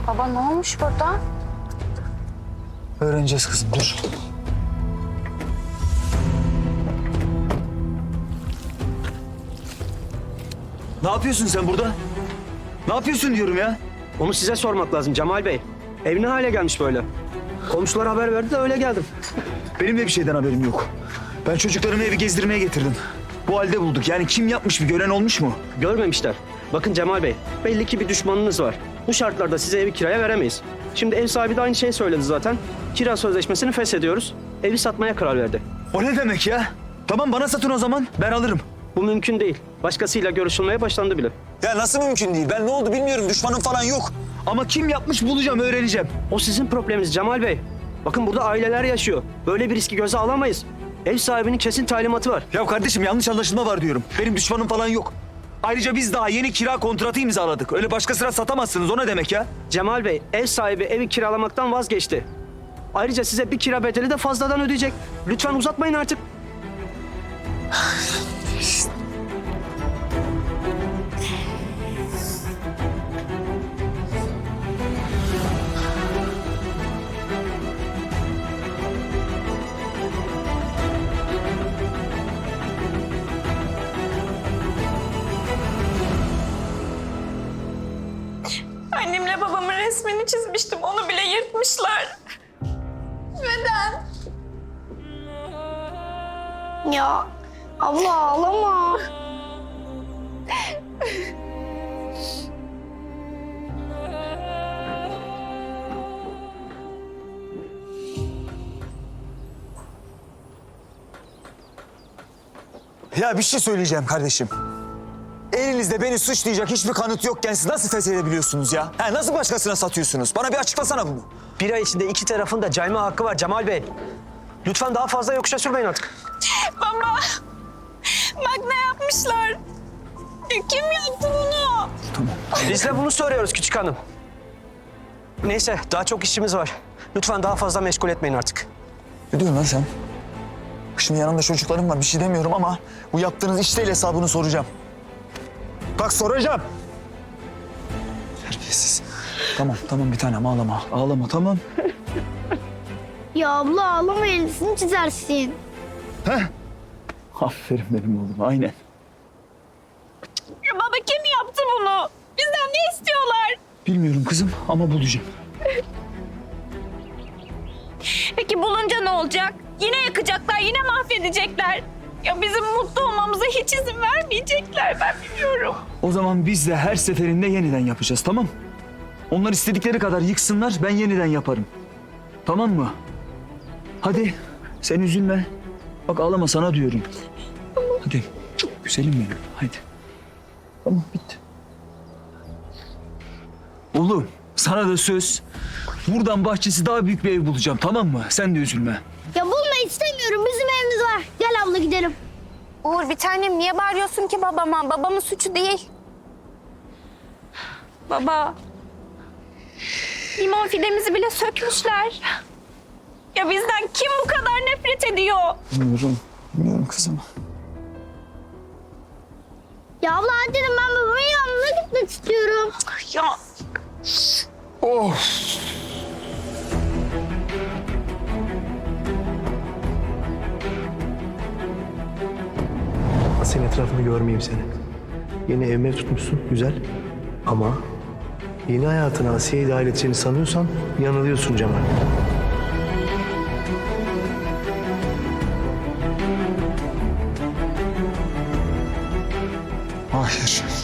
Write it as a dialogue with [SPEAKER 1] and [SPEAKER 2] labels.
[SPEAKER 1] Baba ne olmuş burada?
[SPEAKER 2] Öğreneceğiz kızım, dur. Ne yapıyorsun sen burada? Ne yapıyorsun diyorum ya?
[SPEAKER 3] Onu size sormak lazım Cemal Bey. Ev ne hale gelmiş böyle? Komşular haber verdi de öyle geldim.
[SPEAKER 2] Benim de bir şeyden haberim yok. Ben çocuklarımı evi gezdirmeye getirdim. Bu halde bulduk. Yani kim yapmış, bir gören olmuş mu?
[SPEAKER 3] Görmemişler. Bakın Cemal Bey, belli ki bir düşmanınız var. Bu şartlarda size evi kiraya veremeyiz. Şimdi ev sahibi de aynı şeyi söyledi zaten. Kira sözleşmesini feshediyoruz. Evi satmaya karar verdi.
[SPEAKER 2] O ne demek ya? Tamam, bana satın o zaman. Ben alırım.
[SPEAKER 3] Bu mümkün değil. Başkasıyla görüşülmeye başlandı bile.
[SPEAKER 2] Ya nasıl mümkün değil? Ben ne oldu bilmiyorum. Düşmanım falan yok. Ama kim yapmış bulacağım, öğreneceğim.
[SPEAKER 3] O sizin probleminiz Cemal Bey. Bakın burada aileler yaşıyor. Böyle bir riski göze alamayız. Ev sahibinin kesin talimatı var.
[SPEAKER 2] Ya kardeşim, yanlış anlaşılma var diyorum. Benim düşmanım falan yok. Ayrıca biz daha yeni kira kontratı imzaladık. Öyle başkasına satamazsınız. O ne demek ya?
[SPEAKER 3] Cemal Bey, ev sahibi evi kiralamaktan vazgeçti. Ayrıca size bir kira bedeli de fazladan ödeyecek. Lütfen uzatmayın artık.
[SPEAKER 4] Annemle babamın resmini çizmiştim. Onu bile yırtmışlar. Neden?
[SPEAKER 5] Ya abla ağlama.
[SPEAKER 2] Ya bir şey söyleyeceğim kardeşim. Elinizde beni suçlayacak hiçbir kanıt yokken siz nasıl feshedebiliyorsunuz ya? Ha, nasıl başkasına satıyorsunuz? Bana bir açıklasana bunu.
[SPEAKER 3] Bir ay içinde iki tarafın da cayma hakkı var Cemal Bey. Lütfen daha fazla yokuşa sürmeyin artık.
[SPEAKER 4] Baba. Bak ne yapmışlar. Kim yaptı bunu?
[SPEAKER 3] Biz de bunu soruyoruz küçük hanım. Neyse, daha çok işimiz var. Lütfen daha fazla meşgul etmeyin artık.
[SPEAKER 2] Ne diyorsun lan sen? Şimdi yanımda çocuklarım var, bir şey demiyorum ama bu yaptığınız iş değil, hesabını soracağım. Bak soracağım. Terbiyesiz. Tamam bir tanem, ağlama. Ağlama, tamam.
[SPEAKER 5] Ya abla ağlama, elbisini çizersin.
[SPEAKER 2] Aferin benim oğlum, aynen.
[SPEAKER 4] Ya baba kim yaptı bunu? Bizden ne istiyorlar?
[SPEAKER 2] Bilmiyorum kızım ama bulacağım.
[SPEAKER 4] Peki bulunca ne olacak? Yine yakacaklar, yine mahvedecekler. Ya bizim mutlu olmamıza hiç izin vermeyecekler, ben biliyorum.
[SPEAKER 2] O zaman biz de her seferinde yeniden yapacağız, tamam? Onlar istedikleri kadar yıksınlar, ben yeniden yaparım. Tamam mı? Hadi, sen üzülme. Bak ağlama, sana diyorum. Hadi, güzelim benim, hadi. Tamam, bitti. Oğlum, sana da söz. Buradan bahçesi daha büyük bir ev bulacağım, tamam mı? Sen de üzülme.
[SPEAKER 5] Ya bulma istemiyorum, bizim evimiz var. Gel abla gidelim.
[SPEAKER 1] Uğur bir tanem niye bağırıyorsun ki babama? Babamın suçu değil.
[SPEAKER 4] Baba. Limon fidemizi bile sökmüşler. Ya bizden kim bu kadar nefret ediyor?
[SPEAKER 2] Bilmiyorum kızım.
[SPEAKER 5] Ya abla hadi dedim, ben babamın yanına gitmek istiyorum.
[SPEAKER 4] Ya
[SPEAKER 6] Senin etrafını görmeyeyim seni. Yeni ev mev tutmuşsun, güzel. Ama yeni hayatına Asiye'yi dahil edeceğini sanıyorsan yanılıyorsun Cemal.
[SPEAKER 2] Hayır.